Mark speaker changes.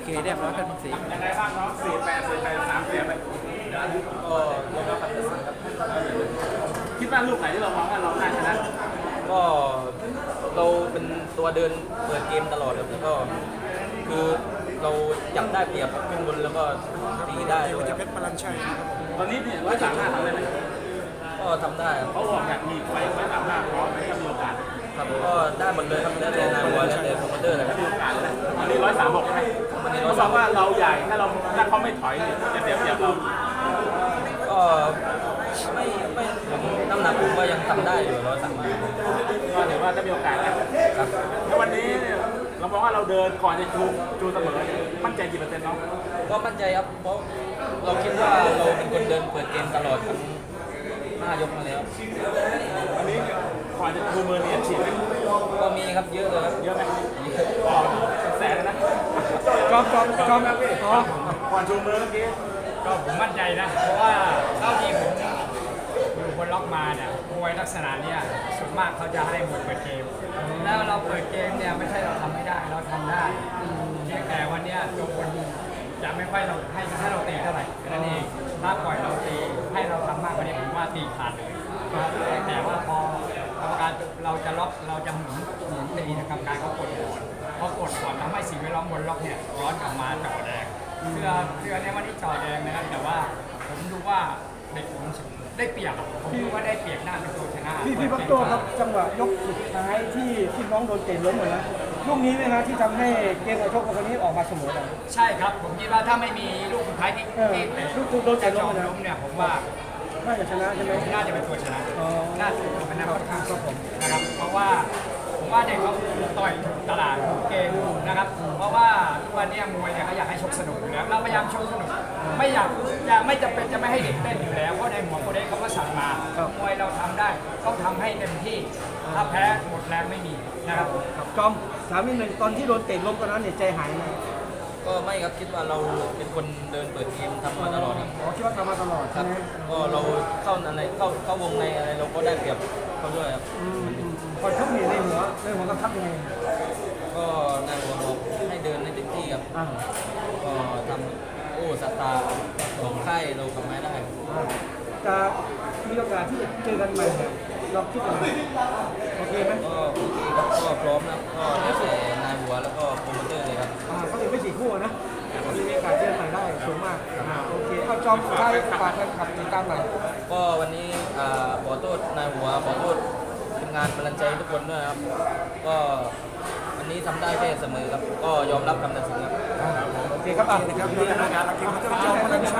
Speaker 1: เคเรียบร้อยเป็นสี
Speaker 2: ยังไงบ้างน้อง48 43เสียไป
Speaker 1: ก็ยอมรับความตัดสินครับ
Speaker 2: คิดว่าลูกไหนที่เรามองว่าเราน่าชนะ
Speaker 1: ก็เราเป็นตัวเดินเปิดเกมตลอดครับแล้วก็คือเราจับได้เปรียบขึ้นบนแล้วก็ตีได้ด้วยครับ
Speaker 2: ตอนนี้เนี่ย135ทำได้ไหม
Speaker 1: ก็ทำได้ครับ
Speaker 2: เขาบอกอยากมีไฟ135พร้อมไหมถ้ามีโอกาส
Speaker 1: ครับก็ได้หมดเลยครับแล้วแต่นายหัวแล้วแต่โปรโมเตอร์เลยครับ
Speaker 2: มีโอกาสเลยอันนี้136ใช่ไหม
Speaker 1: วันนี้
Speaker 2: เขาบอกว่าเราใหญ่ถ้าเขาไม่ถอยเนี่ยจะเสียเปรียบเรา
Speaker 1: ก็ไม่ผมน้ำหนักผมก็ยังทำได้อยู่130
Speaker 2: ก็ถือว่าถ้ามีโอกาสนะครับแล้ววันนี้เนี่ยเรามองว่าเราเดินก่อนจะชูเสมอเนี่ยมั่นใจกี่เปอร์เซ็นต์น้อง
Speaker 1: ก็มั่นใจครับเพราะเราคิดว่าเราเป็นคนเดินเปิดเกมตลอดทั้ง5 ยกมาแล้ว
Speaker 2: วันนี้ก่อนจะชูมือเนี่ยฉีดไหม
Speaker 1: ก็มีครับเยอะเลยครับ
Speaker 2: เยอะไหมอ๋อแสนนะ
Speaker 3: จอม
Speaker 2: ก่อนชูมือเมื่อกี้
Speaker 3: ก็ผมมั่นใจนะ เพราะว่าเท่าที่ผมดูบนล็อกมาเนี่ยมวยลักษณะเนี้ยส่วนมากเขาจะให้มวยเปิดเกม แล้วเราเปิดเกมเนี่ยไม่ใช่เราทำไม่ได้เราทำได้เพียงแต่วันเนี้ยตัวคนจะไม่ค่อยเราให้เราตีเท่าไหร่แค่นั้นเองถ้าปล่อยเราตีให้เราทำมากกว่านี้ผมว่าตีขาดเลยแต่ว่าพอกรรมการเราจะล็อกเราจะหมุนตีนะกรรมการเขากดก่อนพอกดก่อนทำให้สิ่งแวดล้อมบนล็อกเนี่ยร้อนกลับมาจ่อแดงเสื้อในวันนี้จ่อแดงนะครับแต่ว่าผมดูว่าเด็กผมได้เปรียบผมดูว่าได้เปรียบหน้าเป็นตัวชนะ
Speaker 4: พี่พักโตครับจังหวะยกสุดท้ายที่น้องโดนเตะล้มเหมือนนะลูกนี้ไหมนะที่ทำให้เกมการชกของคนนี้ออกมาเสมอกัน
Speaker 3: ใช่ครับผมคิดว่าถ้าไม่มีลูกสุดท้ายที่เตะ
Speaker 4: ลูกโดนเตะล้ม
Speaker 3: เนี่ยผมว่า
Speaker 4: น่าจะชนะใช่ไหม
Speaker 3: น่าจะเป็นตัวชนะน่าจะเป็นนักค่อนข้างครับผมนะครับเพราะว่าผมว่าเด็กเขาต่อยตลาดเกมนะครับเพราะว่าทุกวันนี้มวยเนี่ยเขาอยากให้ชกสนุกอยู่แล้วเราพยายามชกสนุกไม่อยากจะไม่จำเป็นจะไม่ให้เด็กเต้นอยู่แล้วเพราะในหัวโปรเด็กเขาก็สั่งมามวยเราทำได้ต้องทำให้เต็มที่ถ้าแพ้หมดแรงไม่มีนะครับ
Speaker 4: จอมถามนิดนึงตอนที่โดนเตะล้มตอนนั้นเนี่ยใจหายไหม
Speaker 1: ก็ไม่ครับคิดว่าเราเป็นคนเดินเปิดเกมทำมาตลอดครับ
Speaker 4: คิดว่าทำมาตลอด
Speaker 1: ครับก็เราเข้าวงในอะไรเราก็ได้เปรียบเขาด้วยครับ
Speaker 4: ก่อนชกนี่ในหัวกำทับยังไง
Speaker 1: ก็นายหัวบอกให้เดินให้เต็มที่ครับก็ทำสตาร์ของค่ายเราทำไม่ได้
Speaker 4: จะมีโอกาสที่จะเจอกันใหม่เราคิดยังไงโอเคไหม
Speaker 1: ก็โอเคครับก็พร้อมนะก็แล้วแต่นายหัวแล้วก็โปรโมเตอร์เลยครับ
Speaker 4: เขาถึงไม่4 คู่นะมีโอกาสเจอใหม่ได้สูงมากโอเคเอาจอมใครฝากแฟนคลับติดตามหน่อย
Speaker 1: ก็วันนี้ขอโทษนายหัวขอโทษทีมงานกำลังใจทุกคนด้วยครับก็วันนี้ทำได้แค่เสมอครับก็ยอมรับคำตัดสินครับ
Speaker 4: โอเคครับนี่นะครับ